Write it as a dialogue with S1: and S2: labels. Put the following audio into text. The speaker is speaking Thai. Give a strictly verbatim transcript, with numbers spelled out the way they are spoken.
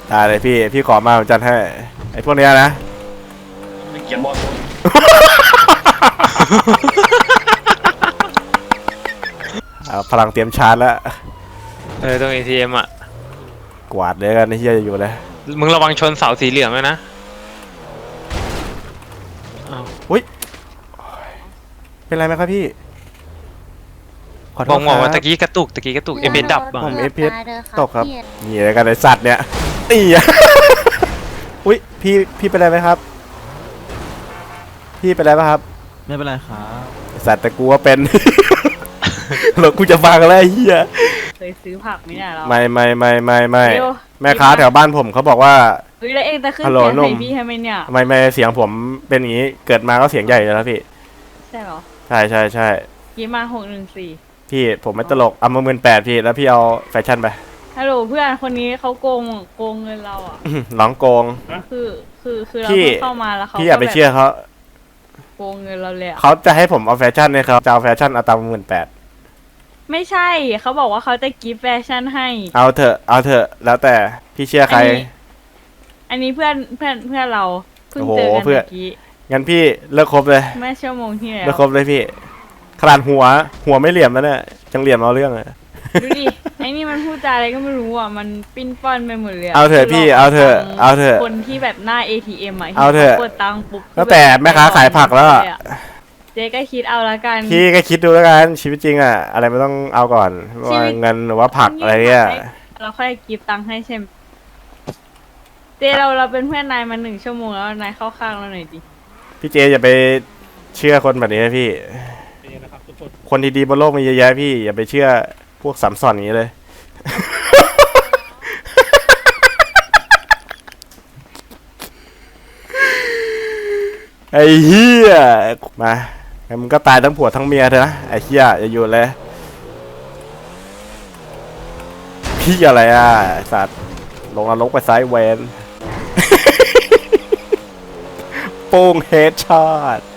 S1: ได้เลยพี่พี่ขอมาผมจัดให้ไอ้พวกเนี้ยนะ
S2: ไม่เกียนบอล
S1: เอาพลังเตรียมชาร์จแล้ว
S3: เออตรง เอ ที เอ็ม อ่ะ
S1: กวาดเลยกันไอ้เหี้ยอยู่เลย
S3: มึงระวังชนเสาสีเหลืองด้วยนะ
S1: อุ้ยเป็นไรไหมครับพี่ขอโท
S3: บอ
S1: ษ
S3: ก
S1: ค
S3: บ
S1: รั
S3: อกว่า
S1: บ
S3: ตะกี้กระตุกตะกี้กระตุกเอฟเอดับอ่ะ
S1: ผมเอฟพีตกครับนี่อะไรกันไอสัตว์เนี่ยตีอ่ะอุ้ยพี่พี่เป็นไรไหมครับพี่เป็นไรไหมครับ
S4: ไม่เป็นไรครับ
S1: สัตว์แต่กูว่าเป็นแล้วกูจะฟังอะไรเฮีย
S5: เคยซื้อผักไหมเนี่ยเรา
S1: ไม่ไม่ไม่ไม่ไม่
S5: เดี๋ยว
S1: แม่ค้าแถวบ้านผมเขาบอกว่า
S5: เฮ้ยแล้วเองจะขึ้น
S1: ฮัลโหล
S5: เสียง
S1: หนุ่
S5: ใส่
S1: ม
S5: พี่ทำไมเนี่ย
S1: ไม่ไม่เสียงผมเป็นอย่างนี้เกิดมาก็เสียงใหญ่เลยแล้วพี่
S5: ใช่เหรอ
S1: ใช่ใช่ใช่
S5: ยี่มาหกหนึ่งสี่
S1: พี่ผมไม่ตลกเอามาหมื่นแปดพี่แล้วพี่เอาแฟชั่นไป
S5: ฮัลโหลเพื่อนคนนี้เขาโกงโกงเงินเราอ่ะ
S1: ร้องโกง
S5: คือคือคือเรา
S1: พี่
S5: เพิ่งเข้ามาแล้วเขา
S1: พี่อย่าไปเชื่อเขา
S5: โกงเงินเราเลยอะ
S1: เขาจะให้ผมเอาแฟชั่นเนี่ยเขาจะเอาแฟชั่นเอาตามหมื่นแปด
S5: ไม่ใช่เขาบอกว่าเขาจะกิฟต์แฟชั่นให้
S1: เอาเถอะเอาเถอะแล้วแต่พี่เชื่อใคร
S5: อันนี้อันนี้เพื่อนเพื่อนเพื่อนเราเพิ่ง
S1: โอ้โห
S5: เจอกัน
S1: เพื่อน
S5: เมื่อกี้
S1: งั้นพี่เลิกคบเลย
S5: เมื่อชั่วโมงที่แล้
S1: เลิก
S5: ว
S1: คบเลยพี่ขนาดหัวหัวไม่เหลี่ยมแล้วเนี่ยจังเหลี่ยมเอาเรื่องอะ
S5: ดูดิไอ้นี่มันพูดจาอะไรก็ไม่รู้อ่ะมันปิ้นป้อนไปหมดเลย
S1: เอาเถอะพี่เอาเถอะเอาเถอะ
S5: คนที่แบบหน้า เอ ที เอ็ม อ่ะ
S1: เอาเถอะ
S5: กดตังค์ปุ๊บ
S1: ตั้งแต่แม่ค้าขายผักแล้วอะ
S5: เจ๊ก็คิดเอาละกัน
S1: พี่ก็คิดดูแล้วกันชีวิตจริงอะอะไรไม่ต้องเอาก่อนว่าเงินหรือว่าผักอะไรเนี่ย
S5: เราค่อยกิฟต์ตังค์ให้ใช่ไหมเจ๊เราเราเป็นเพื่อนนายมาหนึ่งชั่วโมงแล้วนายเข้าข้างเราหน่อยดิ
S1: พี่เจอย่าไปเชื่อคนแบบนี้นะพี่คนดีๆบนโลกมีเยอะแยะพี่อย่าไปเชื่อพวกสัมสอนอย่างนี้เลย ไอ้เหี้ยมางั้นมึงก็ตายทั้งผัวทั้งเมียเถอะนะไอ้เหี้ยอย่าอยู่เลยพี่อะไรอ่ะไอ้สัตว์ลงนรกไปไซด์เวน โป้งเฮดช็อต